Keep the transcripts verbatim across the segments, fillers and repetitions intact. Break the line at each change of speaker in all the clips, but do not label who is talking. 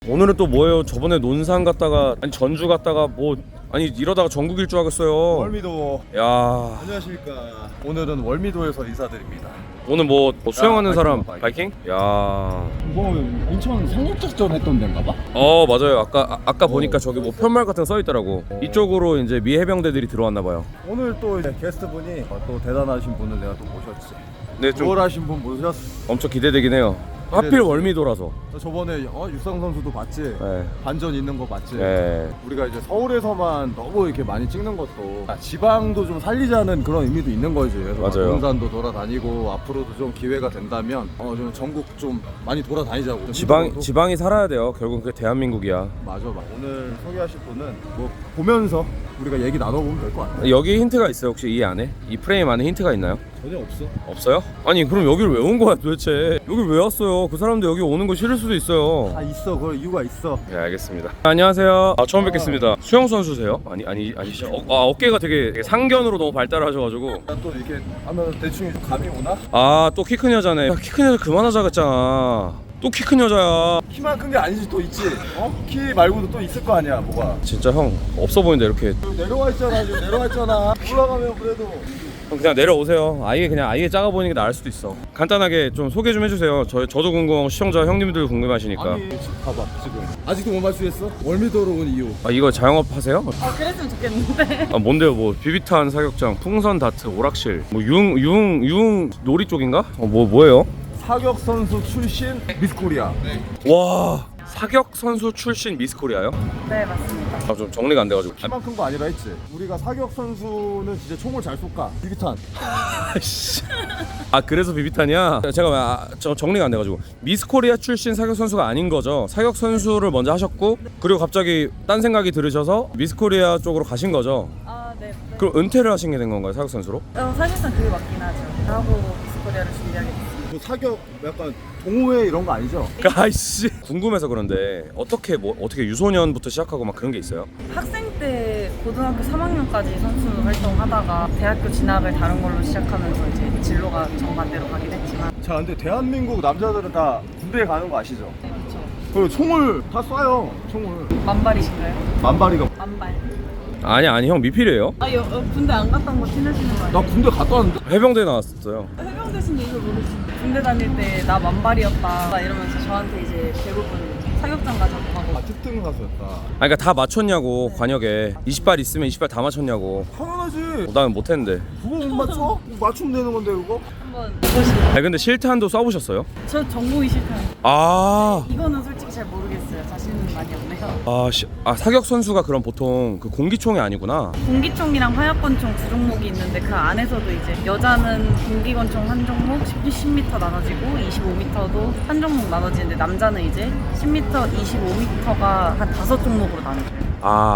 오늘은 또 뭐예요? 저번에 논산 갔다가 아니 전주 갔다가 뭐 아니 이러다가 전국 일주 하겠어요.
월미도.
야
안녕하십니까. 오늘은 월미도에서 인사드립니다.
오늘 뭐, 뭐 수영하는
야,
사람
바이킹,
바이킹? 야.
뭐 인천 상륙작전 했던 데인가 봐?
어 맞아요. 아까 아, 아까 보니까 저기 뭐 편말 같은 거 써 있더라고. 이쪽으로 이제 미 해병대들이 들어왔나 봐요.
오늘 또 이제 게스트분이 또 대단하신 분을 내가 또 모셨지.
네, 좀
수월하신 분 모셨어.
엄청 기대되긴 해요. 하필 월미도라서.
저번에 어, 육상 선수도 봤지?
네.
반전 있는 거 봤지?
네.
우리가 이제 서울에서만 너무 이렇게 많이 찍는 것도 지방도 좀 살리자는 그런 의미도 있는 거지. 그래서
맞아요.
논산도 돌아다니고 앞으로도 좀 기회가 된다면 어, 좀 전국 좀 많이 돌아다니자고. 좀
지방
힘들어도.
지방이 살아야 돼요. 결국 그게 대한민국이야.
맞아, 맞아. 오늘 소개하실 분은 뭐 보면서 우리가 얘기 나눠보면 될 것 같아.
여기 힌트가 있어요. 혹시 이 안에? 이 프레임 안에 힌트가 있나요?
전혀 없어.
없어요? 아니 그럼 여기를 왜 온 거야 도대체? 여기 왜 왔어요? 그 사람도 여기 오는 거 싫을 수도 있어요.
아 있어, 그 이유가 있어.
네 알겠습니다. 안녕하세요. 아 처음 뵙겠습니다. 수영 선수세요? 아니 아니 아니시죠? 어, 아 어깨가 되게, 되게 상견으로 너무 발달하셔가지고.
또 이렇게 하면 대충 감이 오나?
아 또 키 큰 여자네. 키 큰 여자 그만하자 그랬잖아. 또 키 큰 여자야.
키만 큰 게 아니지 또 있지. 어? 키 말고도 또 있을 거 아니야, 뭐가.
진짜 형 없어 보인다 이렇게.
내려와 있잖아, 지금 내려와 있잖아. 올라가면 그래도.
그냥 내려오세요. 아예 그냥 아예 작아 보이는 게 나을 수도 있어. 간단하게 좀 소개 좀 해주세요. 저 저도 궁금하고 시청자 형님들 궁금하시니까.
아니 지금 봐봐 지금 아직도 못 맞추겠어? 월미도로 온 이유.
아 이거 자영업 하세요?
아 그랬으면 좋겠는데.
아 뭔데요? 뭐 비비탄 사격장, 풍선 다트, 오락실, 뭐 융 융 융 놀이 쪽인가? 어 뭐 뭐예요?
사격 선수 출신 미스코리아.
와 사격 선수 출신 미스코리아요?
네 맞습니다.
아 좀 정리가 안 돼가지고. 아,
키만 큰 거 아니라 했지. 우리가 사격 선수는 진짜 총을 잘 쏠까? 비비탄.
씨. 아 그래서 비비탄이야? 제가 왜 아, 저 정리가 안 돼가지고 미스코리아 출신 사격 선수가 아닌 거죠? 사격 선수를 먼저 하셨고 그리고 갑자기 딴 생각이 들으셔서 미스코리아 쪽으로 가신 거죠?
아 네. 네.
그럼 은퇴를 하신 게 된 건가요 사격 선수로?
어, 사실상 그게 맞긴 하죠. 하고 미스코리아를 준비하게 됐습니다.
뭐 사격 약간 동호회 이런 거 아니죠?
아이씨 궁금해서 그런데 어떻게 뭐 어떻게 유소년부터 시작하고 막 그런 게 있어요?
학생 때 고등학교 삼 학년까지 선수 활동하다가 대학교 진학을 다른 걸로 시작하면서 이제 진로가 정반대로 가긴 했지만.
자, 근데 대한민국 남자들은 다 군대에 가는 거 아시죠?
네 그렇죠.
그리고 총을 다 쏴요. 총을.
만발이신가요?
만발이가.
만발.
아니 아니 형 미필이에요?
아 여, 어, 군대 안 갔던 거 티내시는 거 아니에요?
나 군대 갔다 왔는데.
해병대 나왔었어요.
해병대신데 이걸 모르시는데 군대 다닐 때 나 만발이었다 이러면서 저한테 이제 대부분 사격장 가자고 하고.
아, 특등 가수였다.
아니 그러니까 다 맞췄냐고 관역에 이십 발 있으면 이십 발 다 맞췄냐고.
당연하지.
어, 나는 못했는데.
그거 못 맞춰? 맞추면 되는 건데 그거?
한번 해보시면.
아니 근데 실탄도 쏴보셨어요?
저 정보이 싫다요.
아,
이거는 솔직히 잘 모르겠어요. 자신은 많이 없네요.
아, 시, 아 사격 선수가 그럼 보통 그 공기총이 아니구나.
공기총이랑 화약권총 두 종목이 있는데 그 안에서도 이제 여자는 공기권총 한 종목 십 미터 나눠지고 이십오 미터도 한 종목 나눠지는데 남자는 이제 십 미터, 이십오 미터가 한 다섯 종목으로 나눠져요.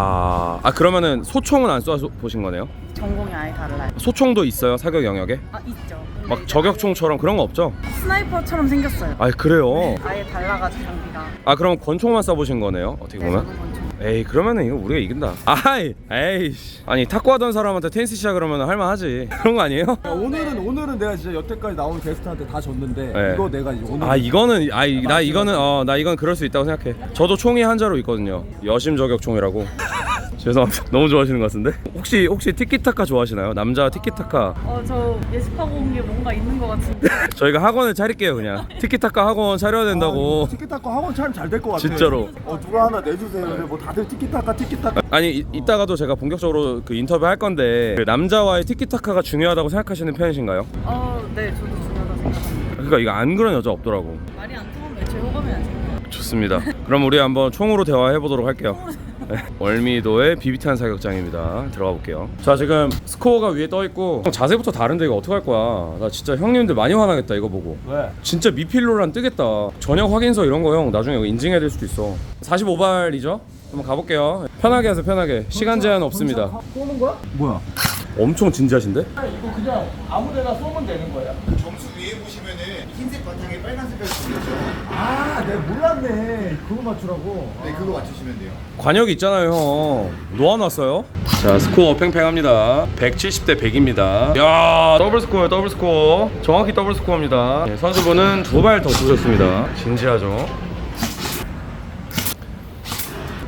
아, 아 그러면은 소총은 안 쏴 보신 거네요?
전공이 아예 달라요.
소총도 있어요 사격 영역에?
아 있죠. 근데
막
이제
저격총처럼 그런 거 없죠?
스나이퍼처럼 생겼어요.
아 그래요?
아예 달라가지고 장비가.
아 그럼 권총만 쏴보신 거네요 어떻게
네,
보면?
저는 권총.
에이 그러면은 이거 우리가 이긴다. 아이 에이 아니 탁구 하던 사람한테 테니스 시작 그러면 할만하지. 그런 거 아니에요?
야, 오늘은 오늘은 내가 진짜 여태까지 나온 게스트한테 다 졌는데
네.
이거 내가 이제 오늘
아 이거는 아이 나 이거는 어 나 이건 그럴 수 있다고 생각해. 저도 총이 한자로 있거든요. 여심 저격총이라고. 죄송합니다. 너무 좋아하시는 것 같은데? 혹시 혹시 티키타카 좋아하시나요? 남자 티키타카.
어저 예습하고 온 게 뭔가 있는 것 같은데.
저희가 학원을 차릴게요 그냥. 티키타카 학원 차려야 된다고.
아, 티키타카 학원 차리면 잘 될 것 같아.
진짜로.
어 누가 하나 내주세요. 그래 뭐 다들 티키타카 티키타카.
아니 이, 이따가도 제가 본격적으로 그 인터뷰 할 건데 그 남자와의 티키타카가 중요하다고 생각하시는 편이신가요?
어네 저도 중요하다 생각합니다.
그러니까 이거 안 그런 여자 없더라고.
말이 안 통하면 제 호감이 안 생겨요.
좋습니다. 그럼 우리 한번 총으로 대화해 보도록 할게요. 네. 월미도의 비비탄 사격장입니다. 들어가 볼게요. 자 지금 스코어가 위에 떠 있고 자세부터 다른데 이거 어떡할 거야. 나 진짜 형님들 많이 화나겠다 이거 보고.
왜?
진짜 미필로란 뜨겠다. 전역 확인서 이런 거 형 나중에 이거 인증해야 될 수도 있어. 사십오 발이죠? 한번 가볼게요. 편하게 하세요 편하게. 시간 제한 없습니다.
쏘는 거야? 뭐야?
엄청 진지하신데?
이거 그냥 아무데나 쏘면 되는 거야?
점수 위에 보시면은 흰색 바탕에 빨간 색깔 있죠.
아, 내가 몰랐네. 그거 맞추라고.
네, 그거 맞추시면 돼요.
관역이 있잖아요 형. 놓아놨어요. 자 스코어 팽팽합니다. 백칠십 대 백입니다. 야 더블 스코어요 더블 스코어. 정확히 더블 스코어입니다. 네, 선수분은 두 발 더 주셨습니다. 진지하죠.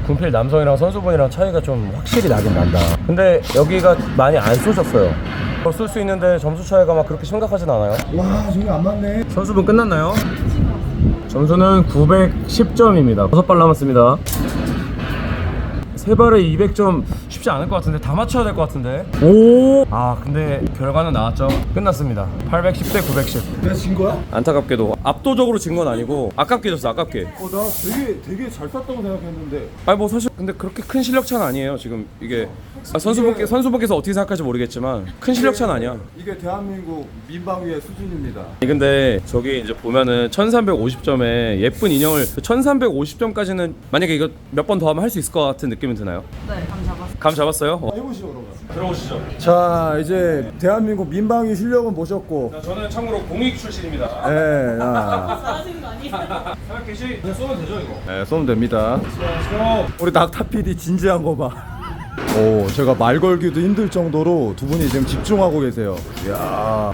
군필 남성이랑 선수분이랑 차이가 좀 확실히 나긴 난다. 근데 여기가 많이 안 쏘셨어요. 쏠 수 있는데 점수 차이가 막 그렇게 심각하진 않아요.
와 저기 안 맞네.
선수분 끝났나요? 점수는 구백십 점입니다. 다섯 발 남았습니다. 세 발에 이백 점 쉽지 않을 것 같은데 다 맞춰야 될 것 같은데. 오! 아 근데 결과는 나왔죠. 끝났습니다. 팔백십 대 구백십.
내가 진 거야?
안타깝게도 압도적으로 진 건 아니고 아깝게 졌어. 아깝게.
어 나 되게 되게 잘 쐈다고 생각했는데.
아니 뭐 사실 근데 그렇게 큰 실력 차는 아니에요. 지금 이게 아, 선수분께 선수분께서 어떻게 생각할지 모르겠지만 큰 실력 차는 아니야.
이게 대한민국 민방위의 수준입니다.
아니, 근데 저기 이제 보면은 천삼백오십 점에 예쁜 인형을 천삼백오십 점까지는 만약에 이거 몇 번 더 하면 할 수 있을 것 같은 느낌은 드나요?
네, 감 잡았어요.
감 잡았어요? 어.
해보시죠 그러면.
들어오시죠.
자 이제 대한민국 민방위 실력은 보셨고.
저는 참고로 공익 출신입니다.
네, 야.
잘하시는 거 아니에요?
사각 개시 그냥 쏘면 되죠 이거.
네, 쏘면 됩니다.
쏘.
우리 낙타 피디 진지한 거 봐. 오, 제가 말 걸기도 힘들 정도로 두 분이 지금 집중하고 계세요. 이야.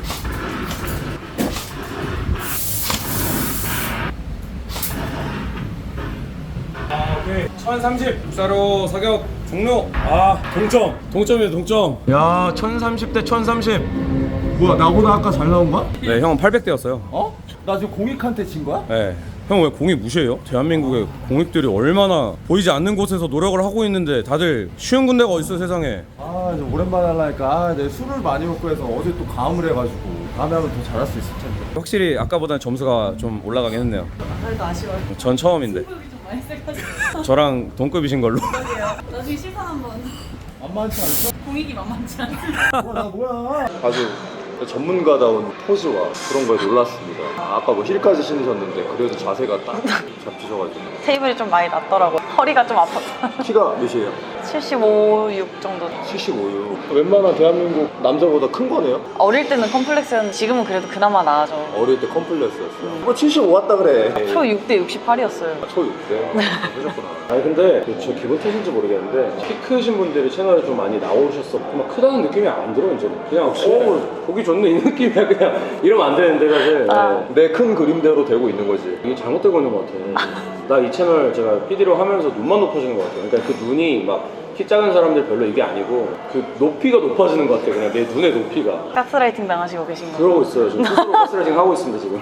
아, 오케이. 천삼십. 육사로 사격 종료. 아, 동점. 동점이에요, 동점. 야, 천삼십 대 천삼십.
뭐야, 나보다 아까 잘 나온 거야?
네, 형은 팔백 대였어요.
어? 나 지금 공익한테 진 거야?
네. 형 왜 공익 무시해요? 대한민국의 공익들이 얼마나 보이지 않는 곳에서 노력을 하고 있는데 다들 쉬운 군대가 어딨어 세상에.
아, 이제 오랜만에 하려니까 아, 내 술을 많이 먹고 해서 어제 또 가음을 해가지고 다음에 하면 더 잘할 수 있을 텐데.
확실히 아까보다는 점수가 좀 올라가긴 했네요.
그래도 아쉬워요.
전 처음인데
승부욕이 좀 많이 세가지고.
저랑 동급이신 걸로.
나중에 시선 한번.
만만치 않죠?
공익이 만만치 않아요.
뭐야, 뭐야. 아주 전문가다운 포즈와 그런 거에 놀랐습니다. 아, 아까 뭐 힐까지 신으셨는데 그래도 자세가 딱 잡히셔가지고.
테이블이 좀 많이 낮더라고요. 허리가 좀 아팠어요.
키가 몇이에요?
칠십오, 육 정도.
칠십오요. 웬만한 대한민국 남자보다 큰 거네요?
어릴 때는 컴플렉스였는데 지금은 그래도 그나마 나아져.
어릴 때 컴플렉스였어요. 뭐 칠십오 왔다 그래.
초 육 대 육십팔이었어요.
초 육 대? 하셨구나. 아니 근데 저 기분 탓인지 모르겠는데 키 크신 분들이 채널에 좀 많이 나오셨어. 막 크다는 느낌이 안 들어 이제는. 그냥 오 보기 좋네 이 느낌이야. 그냥 이러면 안 되는데 사실.
아.
내 큰 그림대로 되고 있는 거지. 이게 잘못되고 있는 것 같아. 나 이 채널 제가 피디로 하면서 눈만 높아지는 것 같아요. 그러니까 그 눈이 막 키 작은 사람들 별로 이게 아니고 그 높이가 높아지는 것 같아요. 그냥 내 눈의 높이가.
가스라이팅 당하시고 계신 거예요?
그러고 있어요. 지금 스스로 가스라이팅 하고 있습니다 지금.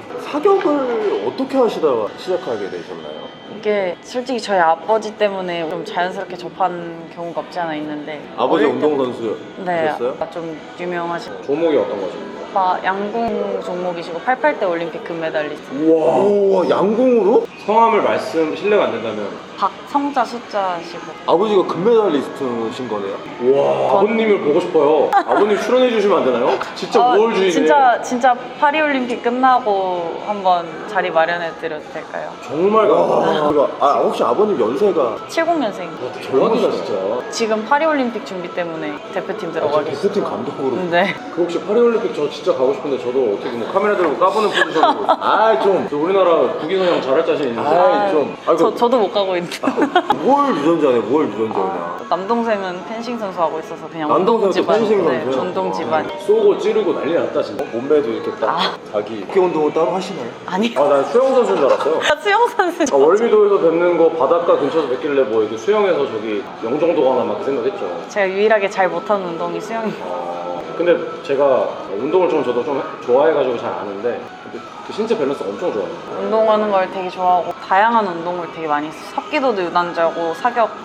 사격을 어떻게 하시다가 시작하게 되셨나요?
이게 솔직히 저희 아버지 때문에 좀 자연스럽게 접한 경우가 없지 않아 있는데
아버지
어릴 때-
운동선수였어요?
네, 좀 유명하신
종목이 어떤 거죠?
오빠 양궁 종목이시고 팔십팔 대 올림픽 금메달리스트
우와.
우와, 양궁으로?
성함을 말씀 실례가 안 된다면.
박성자 숫자시고
아버지가 금메달리스트신 거네요?
우와. 아버님을 보고 싶어요. 아버님 출연해 주시면 안 되나요? 진짜
어,
우월주의네.
진짜 진짜 파리올림픽 끝나고 한번 자리 마련해 드려도 될까요?
정말 감사합니다.
와, 아, 혹시 아버님 연세가
칠십 년생
대박이다 진짜.
지금 파리올림픽 준비 때문에 대표팀 들어가 계세요.
대표팀 감독으로.
네.
그 혹시 파리올림픽 저 진짜 가고 싶은데 저도 어떻게 뭐 카메라 들고 까보는 포지션으로.
아, 좀.
저 우리나라 국위선양 잘할 자신 있는데.
아, 좀. 아,
저, 저도 못 가고 있는데
뭘 유전자네, 뭘 유전자냐.
아, 남동생은 펜싱 선수 하고 있어서 그냥
남동생도
운동 집안,
펜싱
네,
선수요?
전동 집안.
쏘고 찌르고 난리 났다 진짜.
몸매도 이렇게 딱
아.
자기 어깨 운동을 따로 하시나요?
아니,
아 난 수영 선수인 줄 알았어요.
수영 선수.
아, 월미도에서 뵙는 거 바닷가 근처에서 뵙길래 뭐 이렇게 수영해서 저기 영종도 가나 막 그 생각했죠.
제가 유일하게 잘 못하는 운동이 수영이에요.
어, 근데 제가 운동을 좀 저도 좀 좋아해가지고 잘 아는데 근데 그 신체 밸런스가 엄청 좋아요.
운동하는 걸 되게 좋아하고 다양한 운동을 되게 많이 했어요. 합기도도 유단자고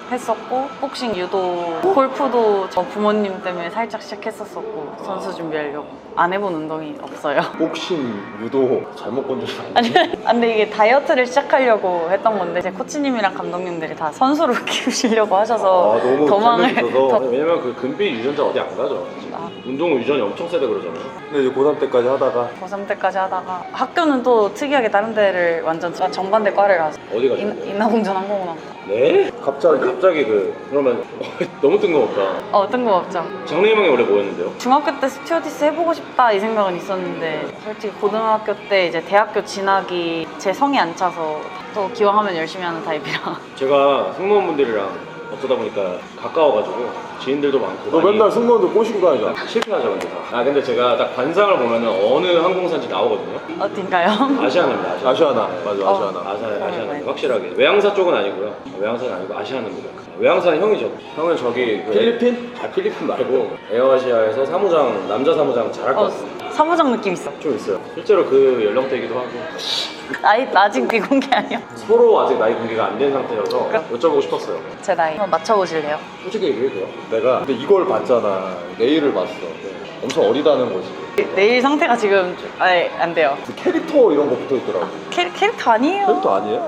사격했었고 복싱, 유도, 골프도 저 부모님 때문에 살짝 시작했었었고 선수 준비하려고. 안 해본 운동이 없어요.
복싱, 유도 잘못 본 적이
아니, 근데 이게 다이어트를 시작하려고 했던 건데 제 코치님이랑 감독님들이 다 선수로 키우시려고 하셔서
아, 너무
도망을
재밌어서.
더-
왜냐면 그 금빛 유전자 어디 안 가죠.
아.
운동 유전이 엄청 세다 그러잖아요.
근데 이제 고삼 때까지 하다가
고삼 때까지 하다가 학교는 또 특이하게 다른 데를 완전 정반대 과를 가서
어디 가죠?
인- 인하공전 항공운항.
네?
갑자기
갑자기 그 그러면 너무 뜬금없다.
어, 뜬금없죠.
장래희망이 원래 뭐였는데요?
중학교 때 스튜어디스 해보고 싶다 이 생각은 있었는데 솔직히 고등학교 때 이제 대학교 진학이 제 성이 안 차서 또 기왕하면 열심히 하는 타입이라.
제가 승무원분들이랑
어쩌다 보니까 가까워가지고 지인들도 많고.
너
많이
맨날 승무원들 꼬시고 다니잖아.
실패하죠 근데 다. 아 근데 제가 딱 관상을 보면은 어느 항공사인지 나오거든요.
어딘가요?
아시아나입니다. 아시아나.
아시아나.
네.
맞아,
어.
아시아나.
아시아,
네.
아시아나 확실하게. 외항사 쪽은 아니고요. 외항사는 아니고 아시아나입니다. 외항사는 형이죠. 형은 저기 그
필리핀?
아 필리핀 말고 에어아시아에서 사무장 남자 사무장 잘할 것
어,
같아요.
사무장 느낌 있어.
좀 있어요. 실제로 그 연령대이기도 하고
나이 아직 미공개 아니야?
서로 아직 나이 공개가 안 된 상태여서 여쭤보고 싶었어요.
제 나이 한번 맞춰보실래요?
솔직히 얘기해도 돼요?
내가 근데 이걸 봤잖아. 내일을 봤어. 엄청 어리다는 거지.
내일 상태가 지금 좀- 아니 안 돼요.
그 캐릭터 이런 거 붙어 있더라고.
캐, 캐릭터 아니에요?
캐릭터 아니에요?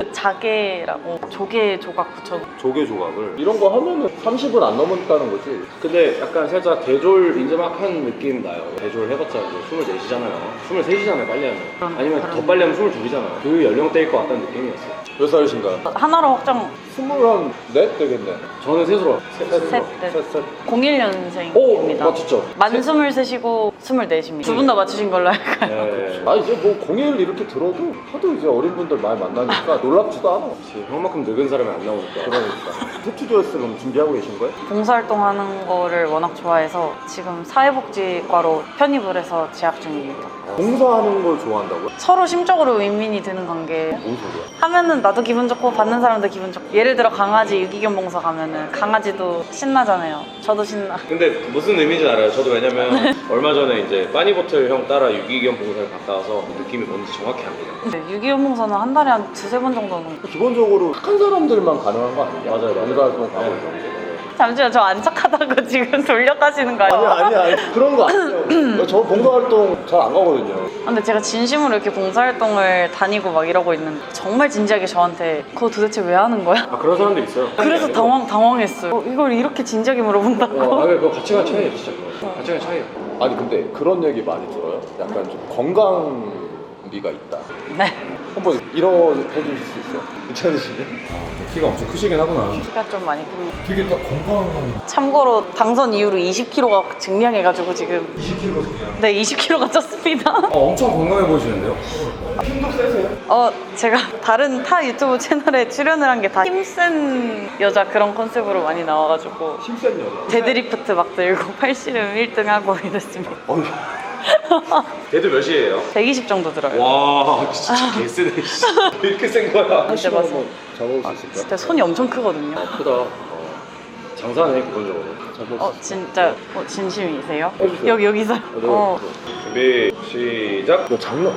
자개라고 조개 조각 붙여.
조개 조각을. 이런 거 하면은 삼십은 안 넘었다는 거지.
근데 약간 살짝 대졸 이제 막 한 느낌 나요. 대졸 해봤자 이제 스물넷이잖아요. 스물셋이잖아요 빨리 하면.
그럼,
아니면
그럼.
더 빨리 하면 스물둘이잖아요. 그 연령대일 것 같다는 느낌이었어요.
몇 살이신가?
하나로 확정.
스물한 넷 되겠네.
저는 셋으로 셋,
셋,
셋으로.
넷.
셋, 셋.
공일
오!
년생입니다.
맞췄죠?
만 스물셋이고 스물넷입니다. 두 분 다 맞추신 걸로 할까요?
네.
아 이제 뭐 공일 이렇게 들어도 하도 이제 어린 분들 많이 만나니까 놀랍지도 않아.
그치, 형만큼 늙은 사람이 안 나오니까.
그러니까. 스튜디오스 그럼 준비하고 계신 거예요?
봉사활동 하는 거를 워낙 좋아해서 지금 사회복지과로 편입을 해서 재학 중입니다.
봉사하는 걸 좋아한다고요?
서로 심적으로 윈윈이 되는 관계.
뭔 소리야?
하면은 나도 기분 좋고 받는 사람도 기분 좋고. 예를 들어 강아지 유기견 봉사 가면은 강아지도 신나잖아요. 저도 신나.
근데 무슨 의미인지 알아요. 저도 왜냐면 얼마 전에 이제 빠니보틀 형 따라 유기견 봉사를 갔다 와서 느낌이 뭔지 정확히 압니다.
근데 유기견 봉사는 한 달에 한 두세 번 정도는.
기본적으로 착한 사람들만 가능한 거 아니냐?
맞아요, 맞아요.
봉사활동 가고
네.
이런 거.
잠시만 저 안 착하다고 지금 돌려가시는 거예요?
아니 아니 아니 그런 거 아니에요. 저 봉사활동 잘 안 가거든요.
근데 제가 진심으로 이렇게 봉사활동을 다니고 막 이러고 있는데 정말 진지하게 저한테 그거 도대체 왜 하는 거야?
아 그런 사람도 있어요.
그래서
아니고.
당황, 당황했어요. 어, 이걸 이렇게 진지하게 물어본다고?
어, 아 그거 가치관 차이예요 진짜. 그거. 가치관 차이예요.
아니 근데 그런 얘기 많이 들어요. 약간 좀 건강미가 있다.
네.
한번 일어해 주실 수 있어요? 괜찮으시네?
키가 엄청 크시긴 하구나.
키가 좀 많이 큽니다.
되게 딱 건강한.
참고로 당선 이후로 이십 킬로그램가 증량해가지고 지금
이십 킬로그램 그냥.
네 이십 킬로그램가 쪘습니다.
어, 엄청 건강해 보이시는데요?
힘도 세세요?
어 제가 다른 타 유튜브 채널에 출연을 한 게 다 힘센 여자 그런 컨셉으로 많이 나와가지고
힘센 여자.
데드리프트 막 들고 팔씨름 일 등 하고 이랬습니다.
어휴.
걔도 몇이에요?
백이십 정도 들어요.
와 진짜 개쓰네. 왜 이렇게 센 거야?
진짜 봤어.
잡아볼 수 있을까?
진짜 손이 엄청 크거든요.
크다. 어. 장사하네 기본적으로.
잡아볼
어
수
진짜 어, 진심이세요?
해주세요.
여기 여기서. 어.
준비 시작.
너 장난.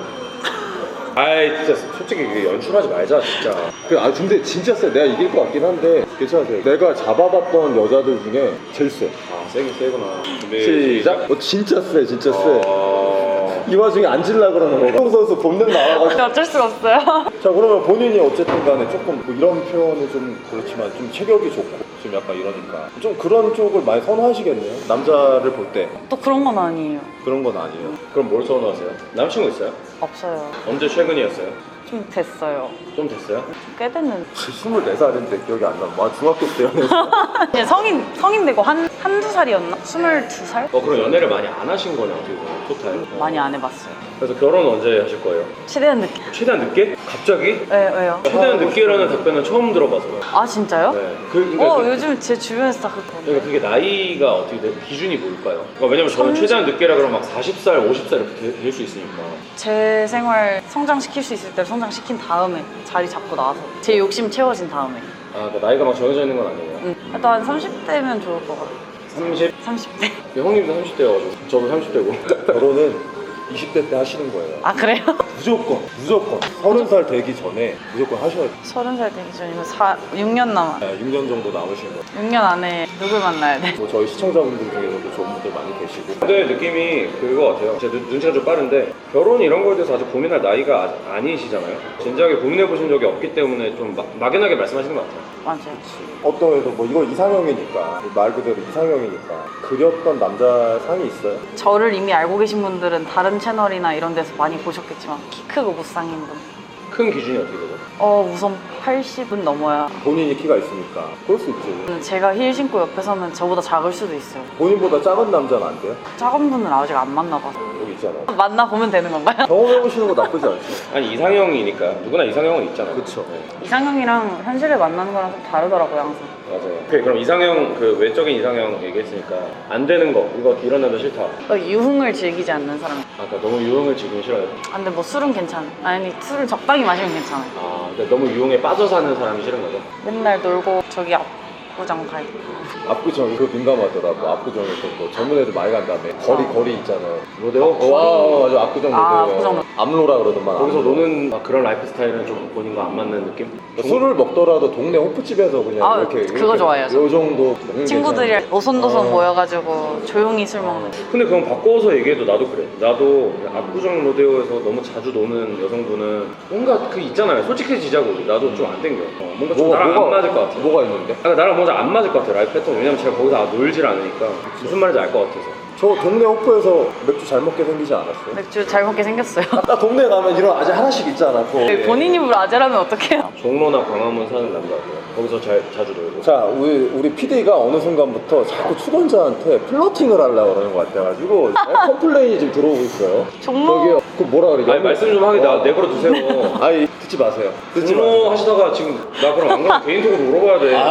아이 진짜 솔직히 이게 연출하지 말자 진짜.
그, 아 근데 진짜 세. 내가 이길 것 같긴 한데 괜찮으세요? 내가 잡아봤던 여자들 중에 제일 세.
아 세긴 세구나. 준비
시작. 어 진짜 세, 진짜 세.
어...
이 와중에 앉으려 그러는 거. 홍 선수 본능 나와가지고.
어쩔 수가 없어요.
자 그러면 본인이 어쨌든 간에 조금 뭐 이런 표현은 좀 그렇지만 좀 체격이 좋고 좀 약간 이러니까 좀 그런 쪽을 많이 선호하시겠네요. 남자를 볼 때
또 그런 건 아니에요.
그런 건 아니에요.
그럼 뭘 선호하세요? 남친구 있어요?
없어요.
언제 최근이었어요?
좀 됐어요.
좀 됐어요?
꽤 됐는데.
스물네 살인데 기억이 안 나. 와 중학교 때였네.
이제 성인 성인 되고 한 한두 살이었나? 스물두 살?
어 그럼 연애를 많이 안 하신 거네 어떻게 보면 토탈. 어.
많이 안 해봤어요.
그래서 결혼 언제 하실 거예요?
최대한 늦게.
최대한 늦게? 갑자기?
왜 왜요?
최대한 늦게라는 답변은 처음 들어봐서요.
아 진짜요?
네. 그, 그러니까
어
그-
요즘 제 주변에서 다
그러니까
그렇던데.
그게 나이가 어떻게 돼? 기준이 뭘까요? 그러니까 왜냐면 저는
삼십?
최대한 늦게라 그러면 막 사십 살, 오십 살 이렇게 될 수 있으니까.
제 생활 성장시킬 수 있을 때 성장시킨 다음에 자리 잡고 나와서 제 욕심 채워진 다음에.
아, 그러니까 나이가 막 정해져 있는 건 아니에요.
응. 또 한 삼십 대면 좋을 것 같아.
삼십?
삼십 대.
형님도 삼십 대여가지고 저도 삼십 대고.
결혼은 이십 대 때 하시는 거예요.
아 그래요?
무조건 무조건 서른 살 되기 전에 무조건 하셔야 돼요.
서른 살 되기 전이면 사, 육 년 남아.
네, 육 년 정도 남으신 거예요.
육 년 안에 누굴 만나야 돼?
뭐 저희 시청자분들 중에서도 좋은 분들 많이 계시고.
근데 느낌이 그거 같아요. 제 눈- 눈치가 좀 빠른데 결혼 이런 거에 대해서 아직 고민할 나이가 아직 아니시잖아요. 진지하게 고민해 보신 적이 없기 때문에 좀 막, 막연하게 말씀하시는 것 같아요.
맞아요.
어떤 애도 뭐 이거 이상형이니까 말 그대로 이상형이니까 그렸던 남자 상이 있어요?
저를 이미 알고 계신 분들은 다른 채널이나 이런 데서 많이 보셨겠지만 키 크고 무쌍인 분.
큰 기준이 어떻게 되죠?
어 우선 백팔십은 넘어야.
본인이 키가 있으니까 그럴 수 있지.
제가 힐 신고 옆에 서면 저보다 작을 수도 있어요.
본인보다 작은 남자는 안 돼요?
작은 분은 아직 안 만나봐서.
여기 있잖아.
만나보면 되는 건가요?
경험해보시는 거 나쁘지 않지.
아니 이상형이니까 누구나 이상형은 있잖아.
그쵸.
이상형이랑 현실에 만나는 거랑 좀 다르더라고요, 항상.
맞아요. 오케이, 그럼 이상형 그 외적인 이상형 얘기했으니까 안 되는 거 이거 이런 남자 싫다.
어, 유흥을 즐기지 않는 사람.
아까 너무 유흥을 지금 싫어요.
아, 근데 뭐 술은 괜찮아. 아니, 술을 적당히 마시면 괜찮아.
아, 그러니까 너무 유흥에 빠져 사는 사람이 싫은 거죠.
맨날 놀고 저기 압구정 가 있고.
압구정 이거 민감하더라고. 압구정에서 뭐 젊은 애들 많이 간다며. 거리 거리 있잖아요.
로데오?
어, 와, 맞아. 압구정
아,
로데오.
압구정.
암로라 그러더만.
거기서
암로.
노는 막 그런 라이프 스타일은 좀 본인과 안 맞는 느낌?
술을 먹더라도 동네 호프집에서 그냥
아,
이렇게
그거
이렇게
좋아해요, 저.
요 정도 먹는
친구들이랑
괜찮은데.
오손도손
어.
모여가지고 조용히 술 먹는.
근데 그건 바꿔서 얘기해도 나도 그래. 나도 압구정 로데오에서 너무 자주 노는 여성분은 뭔가 그 있잖아요. 솔직해지자고. 나도 좀 안 땡겨. 어, 뭔가 좀 나랑 안 맞을 것 같아.
뭐가 있는데?
아, 나랑 뭔가 안 맞을 것 같아. 라이프 패턴. 왜냐면 제가 거기서 아, 놀질 않으니까 무슨 말인지 알 것 같아서.
저 동네 호프에서 맥주 잘 먹게 생기지 않았어요?
맥주 잘 먹게 생겼어요.
나 동네 가면 이런 아재 하나씩 있잖아. 그거.
본인 입으로 아재라면 어떡해요?
종로나 광화문 사는 남자고요. 거기서 잘 자주 놀고.
자, 우리, 우리 피디가 어느 순간부터 자꾸 출연자한테 플러팅을 하려고 그러는 것 같아가지고 컴플레인이 지금 들어오고 있어요.
종로?
저기요, 그 뭐라 그래?
아니 말씀 좀 하게 나
어.
내버려 두세요.
아니, 듣지 마세요. 듣지
종로
마세요.
하시다가 지금 나 그럼 안 그러면 개인톡으로 물어봐야 돼.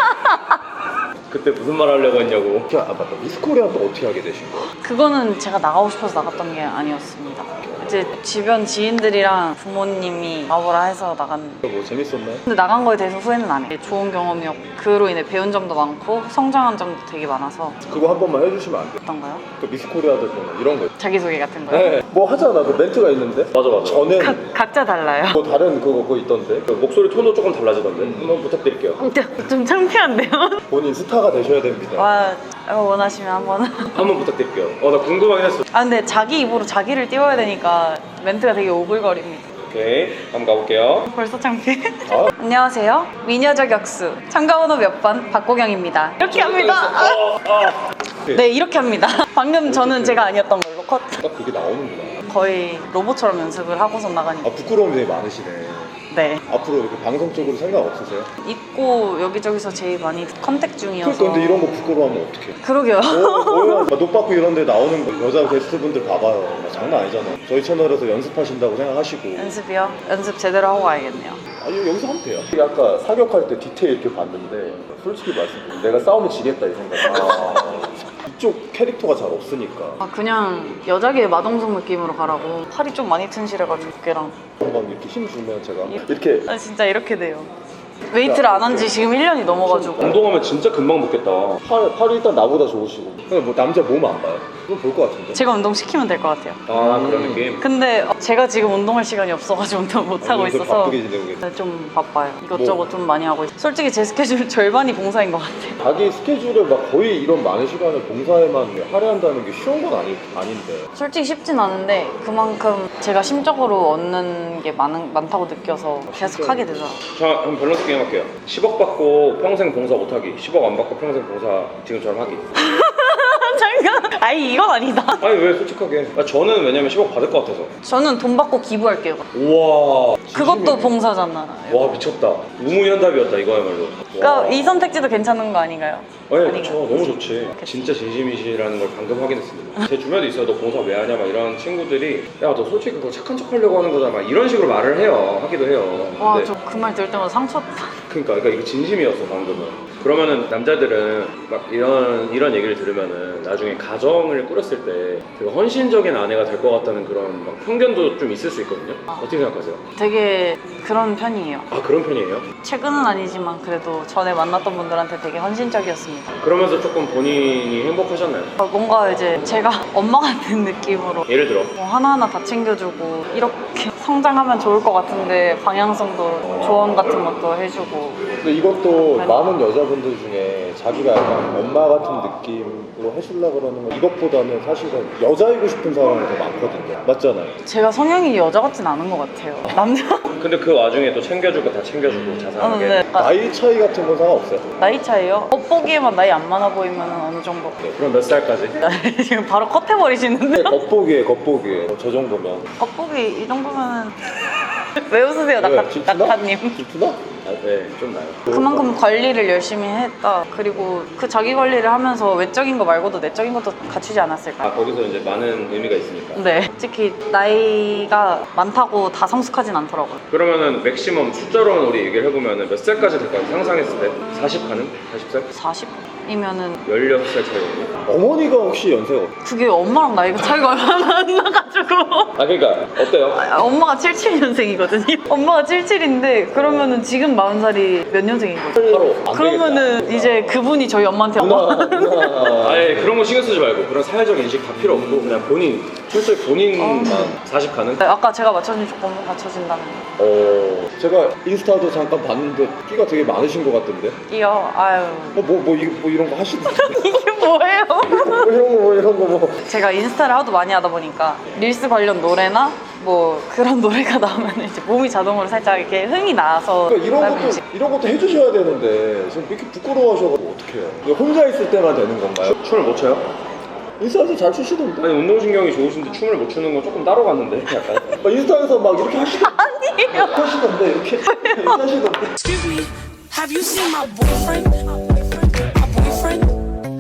그때 무슨 말 하려고 했냐고.
아, 맞다. 미스코리아 또 어떻게 하게 되신 거예요?
그거는 제가 나가고 싶어서 나갔던 게 아니었습니다. 이제 주변 지인들이랑 부모님이 나오라 해서 나간.
뭐 재밌었나요?
근데 나간 거에 대해서 후회는 안 해요. 좋은 경험이었고 그로 인해 배운 점도 많고 성장한 점도 되게 많아서.
그거 한 번만 해주시면 안 돼요?
어떤가요?
그 미스코리아들 보면 이런 거.
자기소개 같은 거요?
네. 뭐 하잖아. 그 멘트가 있는데.
맞아 맞아.
저는
각, 각자 달라요.
뭐 다른 그거 그거 있던데.
그 목소리 톤도 조금 달라지던데. 한번 부탁드릴게요.
좀 창피한데요?
본인 스타가 되셔야 됩니다.
와, 원하시면 한번.
한번 부탁드릴게요. 어 나 궁금하긴 했어.
아 근데 자기 입으로 자기를 띄워야 되니까 멘트가 되게 오글거립니다.
오케이 한번 가볼게요.
벌써 창피해.
아.
안녕하세요. 미녀 저격수 참가번호 몇 번 박고경입니다. 이렇게 합니다.
어, 어.
네 이렇게 합니다. 방금 저는 제가 아니었던 걸로 컷.
딱 그게 나오는구나.
거의 로봇처럼 연습을 하고서 나가니까.
아, 부끄러움이 되게 많으시네.
네.
앞으로 이렇게 방송 쪽으로 생각 없으세요?
있고 여기저기서 제일 많이 컨택 중이어서.
그러니까 근데 이런 거 부끄러워하면 어떡해?
그러게요.
뭐, 뭐야? 노빠꾸 이런 데 나오는 거 여자 게스트분들 봐봐요. 막 장난 아니잖아요. 저희 채널에서 연습하신다고 생각하시고.
연습이요? 연습 제대로 하고 와야겠네요.
아니 여기서 하면 돼요. 아까 사격할 때 디테일 이렇게 봤는데 솔직히 말씀드리면 내가 싸우면 지겠다 이 생각. 아, 이쪽 캐릭터가 잘 없으니까
아 그냥 여자계 마동석 느낌으로 가라고. 팔이 좀 많이 튼실해가지고 어깨랑.
한번 이렇게 힘 주면 제가 이렇게
아 진짜 이렇게 돼요. 웨이트를 안 한 지 지금 일 년이 넘어가지고.
운동하면 진짜 금방 붙겠다.
팔, 팔이 일단 나보다 좋으시고. 근데 뭐 남자 몸 안 봐요? 그건 볼 것 같은데.
제가 운동 시키면 될 것 같아요.
아 그런 느낌.
근데 제가 지금 운동할 시간이 없어가지고 운동 못 하고
아, 요새
있어서
바쁘게 지내고 계세요.
네, 좀 바빠요. 이것저것
뭐.
좀 많이 하고 있어요. 솔직히 제 스케줄 절반이 봉사인 것 같아요.
자기 스케줄에 막 거의 이런 많은 시간을 봉사에만 할애한다는 게 쉬운 건 아니, 아닌데.
솔직히 쉽진 않은데 그만큼 제가 심적으로 얻는 게 많은, 많다고 느껴서 계속 하게 되더라고요.
자 한번 밸런스 게임 할게요. 십억 받고 평생 봉사 못하기. 십억 안 받고 평생 봉사 지금처럼 하기.
잠깐. 아니 이건 아니다.
아니 왜 솔직하게. 아, 저는 왜냐면 십억 받을 것 같아서.
저는 돈 받고 기부할게요.
우와.
그것도 봉사잖아.
와 미쳤다. 우무현답이었다 이거야말로.
그러니까
와.
이 선택지도 괜찮은 거 아닌가요?
네,
아닌가요?
그렇죠. 너무 좋지. 진짜 진심이시라는 걸 방금 확인했습니다. 제 주변에 있어요. 너 봉사 왜 하냐? 막 이런 친구들이 야, 너 솔직히 그거 착한 척 하려고 하는 거잖아. 막 이런 식으로 말을 해요. 하기도 해요.
와,
근데
저 그 말 들을 때마다 상처받아.
그러니까, 그러니까 이거 진심이었어 방금은. 그러면은 남자들은 막 이런 이런 얘기를 들으면은 나중에 가정을 꾸렸을 때 되게 헌신적인 아내가 될 것 같다는 그런 막 편견도 좀 있을 수 있거든요. 어떻게 생각하세요?
되게 그런 편이에요.
아 그런 편이에요?
최근은 아니지만 그래도 전에 만났던 분들한테 되게 헌신적이었습니다.
그러면서 조금 본인이 행복하셨나요?
어, 뭔가 이제 제가 엄마 같은 느낌으로
예를 들어
뭐 하나하나 다 챙겨주고 이렇게 성장하면 좋을 것 같은데 방향성도 조언 같은 것도 해주고.
근데 이것도 많은 여자분들 중에 자기가 약간 엄마 같은 느낌으로 해주려고 그러는 거 이것보다는 사실은 여자이고 싶은 사람이 더 많거든요. 맞잖아요.
제가 성향이 여자 같진 않은 것 같아요. 남자?
근데 그 와중에 또 챙겨줄 거 다 챙겨주고 자상하게.
어, 네. 약간
나이 차이 같은 건 상관없어요?
나이 차이요? 겉보기에만 나이 안 많아 보이면 어느 정도?
그럼 몇 살까지?
지금 바로 컷해버리시는데?
겉보기에 겉보기에 저 정도면
겉보기 이 정도면은 왜 웃으세요,
왜?
낙하,
질투나?
낙하님?
질투나?
아, 네, 좀 나요.
그만큼 관리를 열심히 했다. 그리고 그 자기 관리를 하면서 외적인 거 말고도 내적인 것도 갖추지 않았을까.
아, 거기서 이제 많은 의미가 있으니까.
네, 특히 나이가 많다고 다 성숙하진 않더라고요.
그러면은 맥시멈 숫자로만 우리 얘기를 해보면은 몇 살까지 될 것 같아요? 상상했을 때? 사십 가는? 사십 살?
사십이면은
열여섯 살 차이거든요.
어머니가 혹시 연세가 어때요?
그게 엄마랑 나이가 차이가 얼마나 안 나가지고.
아, 그러니까 어때요?
아, 엄마가 칠십칠 년생이거든요. 엄마가 칠십칠인데 그러면은 지금 마흔 살이 몇 년생인 거죠?
바로 안
그러면은
되겠다.
이제 그분이 저희 엄마한테 엄마.
누나 누나
아예 그런 거 신경 쓰지 말고 그런 사회적 인식 다 필요 없고 그냥 본인 철저히 본인만 사십 가는?
아까 제가 맞춰준 조건 맞춰준다면
어...
제가 인스타도 잠깐 봤는데 끼가 되게 많으신 것 같던데.
끼요. 아유.
뭐뭐 뭐, 이- 뭐 이런 거 하시던데.
이게 뭐예요?
뭐 이런 거 뭐 이런 거 뭐.
제가 인스타를 하도 많이 하다 보니까 릴스 관련 노래나 뭐 그런 노래가 나오면 이제 몸이 자동으로 살짝 이렇게 흥이 나서
그러니까 이런
나는
것도
이제
이런 것도 해주셔야 되는데 지금 이렇게 부끄러워하셔가지고 어떡해요? 이거 혼자 있을 때만 되는 건가요?
춤을 못 춰요?
인스타에서 잘 추시던데.
아니 운동신경이 좋으신데 춤을 못 추는 건 조금 따로 갔는데 약간
막 인스타에서 막 이렇게 하시던데.
아니에요.
하시던데 이렇게 이렇게 하시던데.
Excuse me, have you seen my boyfriend? My boyfriend?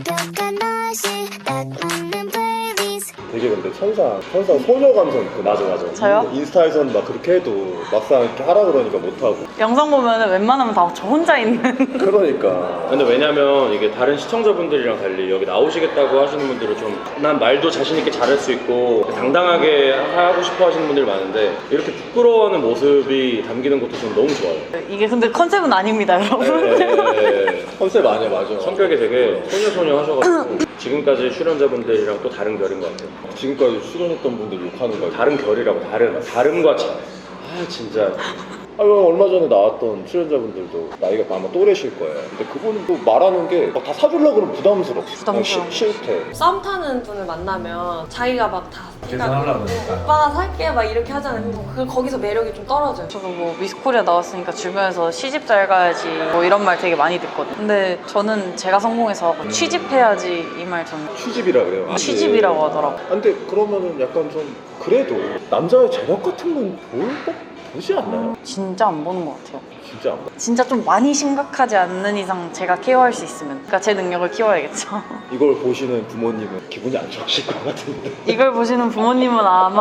되게 근데 천사 천사 소녀 감성 있고.
맞아 맞아.
저요?
인스타에서는 막 그렇게 해도 막상 이렇게 하라 그러니까 못 하고.
영상 보면은 웬만하면 다 저 혼자 있는.
그러니까.
근데 왜냐면 이게 다른 시청자분들이랑 달리 여기 나오시겠다고 하시는 분들은 좀 난 말도 자신 있게 잘할 수 있고 당당하게 하고 싶어 하시는 분들이 많은데 이렇게 부끄러워하는 모습이 담기는 것도 저는 너무 좋아요.
이게 근데 컨셉은 아닙니다, 여러분.
네,
컨셉 아니야 맞아.
성격이 되게 소녀소녀 하셔가지고 지금까지 출연자분들이랑 또 다른 결인 것 같아요.
지금까지 출연했던 분들 욕하는 거.
다른 결이라고 다른 다름과 차. 아 진짜
아, 얼마 전에 나왔던 출연자분들도 나이가 아마 또래실 거예요. 근데 그분은 또 말하는 게 다 사주려고 그러면 부담스러워.
부담스러워.
시- 싫대.
썸 타는 분을 만나면 자기가 막다 계산하려고 오빠가 살게 막 이렇게 하잖아요. 근데 그 거기서 매력이 좀 떨어져요.
저도 뭐 미스코리아 나왔으니까 주변에서 시집 잘 가야지 뭐 이런 말 되게 많이 듣거든요. 근데 저는 제가 성공해서 취집해야지 이 말 저는
취집이라 그래요.
취집이라고 하더라고요.
아, 근데 그러면은 약간 좀 그래도 남자의 제력 같은 건 볼 법 보지 않나요?
진짜 안 보는 것 같아요.
진짜 안 봐.
진짜 좀 많이 심각하지 않는 이상 제가 케어할 수 있으면, 그러니까 제 능력을 키워야겠죠.
이걸 보시는 부모님은 기분이 안 좋으실 것 같은데.
이걸 보시는 부모님은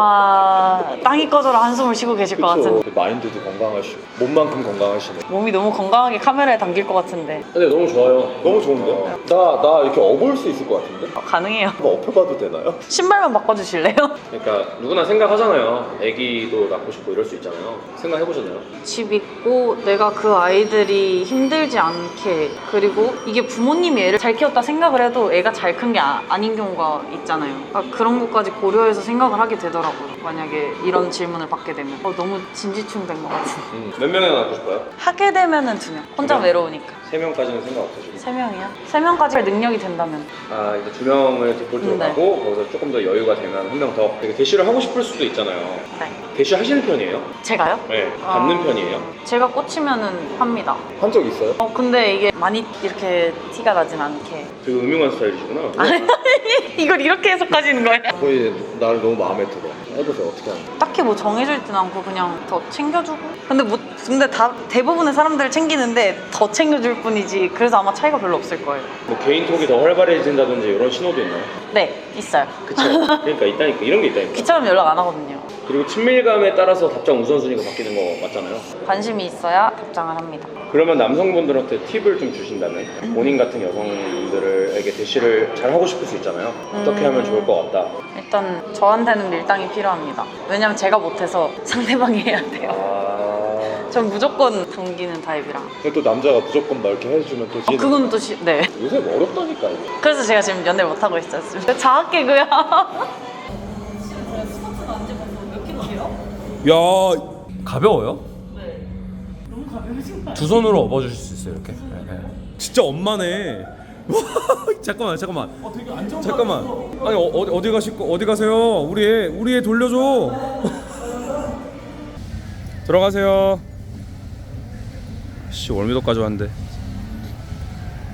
아마 땅이 꺼져라 한숨을 쉬고 계실 것
그쵸.
같은데.
마인드도 건강하시고 몸만큼 건강하시네.
몸이 너무 건강하게 카메라에 담길 것 같은데.
근데 너무 좋아요.
너무 좋은데? 나, 나 이렇게 업을 수 있을 것 같은데?
어, 가능해요.
한번 업혀봐도 되나요?
신발만 바꿔주실래요?
그러니까 누구나 생각하잖아요. 아기도 낳고 싶고 이럴 수 있잖아요. 생각해보셨나요?
집 있고 내가 그 아이들이 힘들지 않게, 그리고 이게 부모님이 애를 잘 키웠다 생각을 해도 애가 잘 큰 게 아, 아닌 경우가 있잖아요. 그러니까 그런 것까지 고려해서 생각을 하게 되더라고요. 만약에 이런 질문을 받게 되면 어, 너무 진지충 된 것 같은.
음. 몇 명이나 낳고 싶어요?
하게 되면은 두 명. 혼자
두 명?
외로우니까.
세 명까지는 생각 없으시고.
세 명이요? 세 명까지 할 능력이 된다면.
아 이제 두 명을 디폴트로
네.
가고 거기서 조금 더 여유가 되면 한 명 더. 되게 대시를 하고 싶을 수도 있잖아요.
네.
대시 하시는 편이에요?
제가요?
네. 받는
아.
편이에요?
제가 꽂히면은 합니다.
한 적 있어요?
어 근데 이게 많이 이렇게 티가 나진 않게.
되게 음흉한 스타일이시구나.
이걸 이렇게 해석하시는 거예요?
거의 나를 너무 마음에 들어. 해보세요. 어떻게 하는 거야?
딱히 뭐 정해져 있진 않고 그냥 더 챙겨주고. 근데 뭐 근데 다 대부분의 사람들을 챙기는데 더 챙겨줄 뿐이지. 그래서 아마 차이가 별로 없을 거예요.
뭐 개인톡이 더 활발해진다든지 이런 신호도 있나요?
네, 있어요.
그쵸. 그러니까 있다니까 이런 게 있다니까.
귀찮으면 연락 안 하거든요.
그리고 친밀감에 따라서 답장 우선순위가 바뀌는 거 맞잖아요.
관심이 있어야 답장을 합니다.
그러면 남성분들한테 팁을 좀 주신다면 본인 같은 여성분들에게 대시를 잘 하고 싶을 수 있잖아요. 어떻게 하면 좋을 것 같다.
일단 저한테는 밀당이 필요합니다. 왜냐면 제가 못해서 상대방이 해야 돼요.
아...
전 무조건 동기는 타입이라.
근데 또 남자가 무조건 막 이렇게 해주면 또
어,
지는.
그건 또 시, 네.
요새 뭐 어렵다니까 이게.
그래서 제가 지금 연애를 못 하고 있어요. 자학 개그야.
야 가벼워요? 네. 너무 가벼우신 거 두 손으로 업어주실 수 있어요 이렇게. 네, 네. 진짜 엄마네. 잠깐만 잠깐만. 어, 되게 안정. 잠깐만. 아니 어, 어디 어디 가실 거 어디 가세요? 우리 애 우리 애 돌려줘. 들어가세요. 씨 월미도까지 왔는데.